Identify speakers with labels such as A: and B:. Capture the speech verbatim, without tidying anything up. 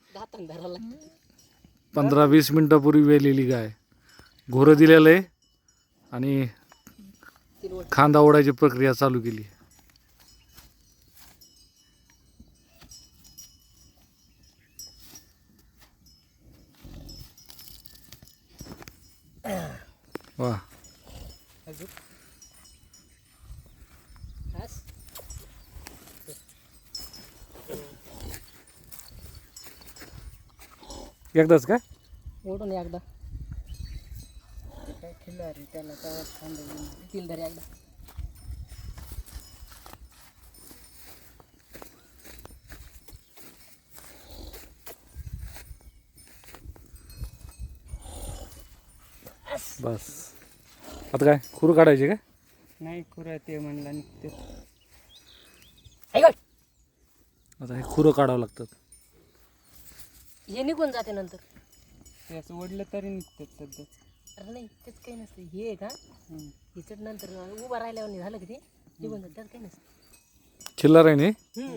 A: दातान धरायला
B: पंधरा वीस मिनिटापूर्वी वेलेली गाय घोरं दिलेलं आहे आणि
A: तीन वर्ष
B: खांदा ओढायची प्रक्रिया चालू केली. वा
A: अजून बस.
B: एकदाच काय
A: ओढून एकदा
C: काय खिल्लारी त्याला तेव्हा थांबवून
A: तीन धर एकदा
B: बस. आता काय खुर काढायचे काय?
C: नाही खुरा ते म्हणला निघते.
A: ऐक
B: आता हे खुरं काढावं लागतात.
A: हे निघून जाते नंतर.
C: ते असं ओढलं तरी निघतात सध्या.
A: अरे नाही तेच काही नसतं हे आहे का हिचट नंतर उभा राहिल्यावर झालं की ते निघून जात त्यात काही नसतं.
B: चिल्लर आहे नाही
A: हम्म.